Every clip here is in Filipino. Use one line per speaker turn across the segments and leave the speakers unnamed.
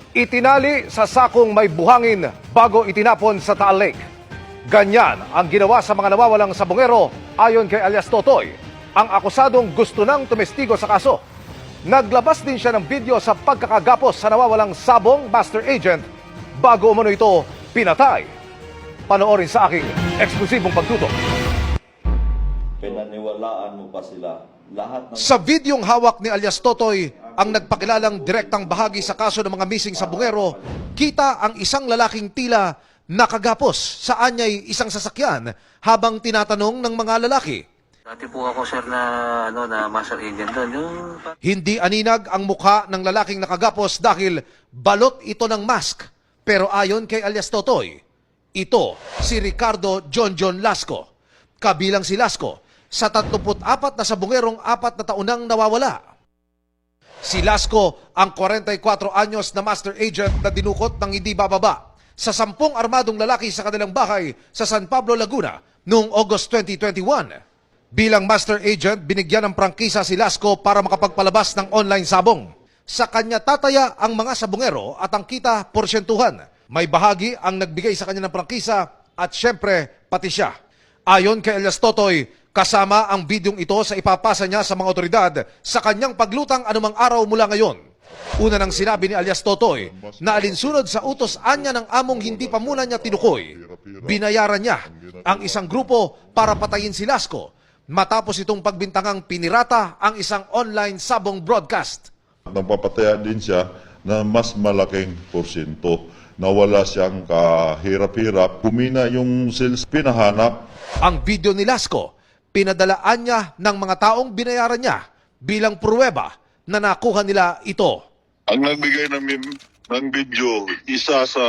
Itinali sa sakong may buhangin bago itinapon sa Taal Lake. Ganyan ang ginawa sa mga nawawalang sabongero ayon kay alias Totoy, ang akusadong gusto nang tumestigo sa kaso. Naglabas din siya ng video sa pagkakagapos sa nawawalang sabong master agent bago umano ito pinatay. Panoorin sa aking eksklusibong pagtutok.
Pinaniwalaan mo pa sila. Lahat ng...
Sa videong hawak ni alias Totoy, ang nagpakilalang direktang bahagi sa kaso ng mga missing sabongero, kita ang isang lalaking tila nakagapos sa anyay isang sasakyan habang tinatanong ng mga lalaki.
Dati po ako sir na master agent doon.
Hindi aninag ang mukha ng lalaking nakagapos dahil balot ito ng mask. Pero ayon kay alias Totoy, ito si Ricardo John Lasco. Kabilang si Lasco sa 34 na sabongerong 4 na taon nang nawawala. Si Lasco ang 44 anyos na master agent na dinukot ng hindi bababa sa 10 armadong lalaki sa kanilang bahay sa San Pablo, Laguna noong August 2021. Bilang master agent, binigyan ng prangkisa si Lasco para makapagpalabas ng online sabong. Sa kanya tataya ang mga sabongero at ang kita porsyentuhan. May bahagi ang nagbigay sa kanya ng prangkisa at syempre pati siya. Ayon kay alias Totoy, kasama ang bidyong ito sa ipapasa niya sa mga otoridad sa kanyang paglutang anumang araw mula ngayon. Una nang sinabi ni alias Totoy na alinsunod sa utos anya ng among hindi pa muna niya tinukoy, binayaran niya ang isang grupo para patayin si Lasco matapos itong pagbintangang pinirata ang isang online sabong broadcast.
Nagpapataya din siya na mas malaking porsyento na wala siyang kahirap-hirap. Kumina yung sales pinahanap.
Ang video ni Lasco, pinadalaan niya ng mga taong binayaran niya bilang pruweba na nakuha nila ito.
Ang nagbigay ng video, isa sa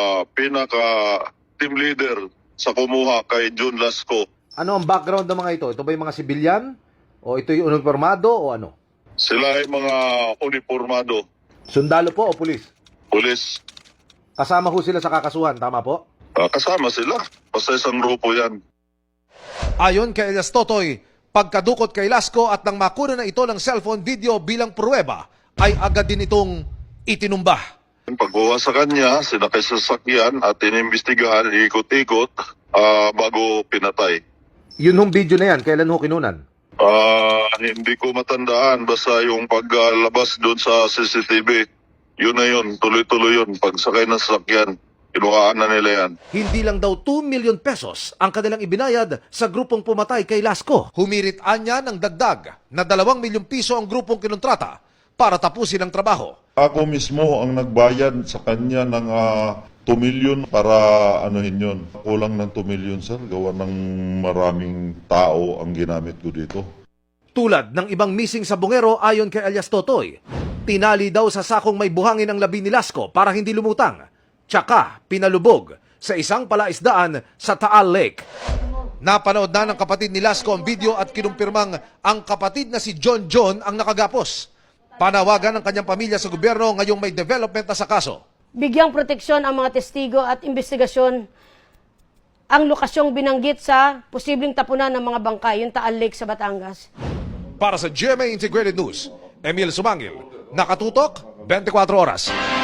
pinaka-team leader sa kumuha kay John Lasco.
Ano ang background ng mga ito? Ito ba yung mga sibilyan? O ito yung uniformado o ano?
Sila ay mga uniformado,
Sundalo po o pulis?
pulis.
Kasama ho sila sa kakasuhan, tama po?
Kasama sila. Basta isang grupo yan.
Ayon kay alias Totoy, pagkadukot kay Lasco at nang makuna na ito ng cellphone video bilang pruweba, ay agad din itong itinumba.
Pagkuha sa kanya, sinakay sa sasakyan at inimbestigahan, ikot-ikot bago pinatay.
Yun hong video na yan, kailan ho kinunan?
Hindi ko matandaan, basta yung paglabas doon sa CCTV, yun na yun, tuloy-tuloy yun. Pagsakay ng sasakyan, kinuhaan na nila yan.
Hindi lang daw 2 million pesos ang kanilang ibinayad sa grupong pumatay kay Lasco. Humirit anya ng dagdag na 2 milyong piso ang grupong kinontrata para tapusin ang trabaho.
Ako mismo ang nagbayad sa kanya ng 2 million para anuhin yun. Kulang ng 2 million, sir. Gawa ng maraming tao ang ginamit ko dito.
Tulad ng ibang missing sabongero ayon kay alias Totoy, tinali daw sa sakong may buhangin ang labi ni Lasco para hindi lumutang. Tsaka pinalubog sa isang palaisdaan sa Taal Lake. Napanood na ng kapatid ni Lasco ang video at kinumpirmang ang kapatid na si John ang nakagapos. Panawagan ng kanyang pamilya sa gobyerno ngayong may development na sa kaso.
Bigyang proteksyon ang mga testigo at investigasyon ang lokasyong binanggit sa posibleng tapunan ng mga bangkay, yung Taal Lake sa Batangas.
Para sa GMA Integrated News, Emil Sumangil, nakatutok 24 oras.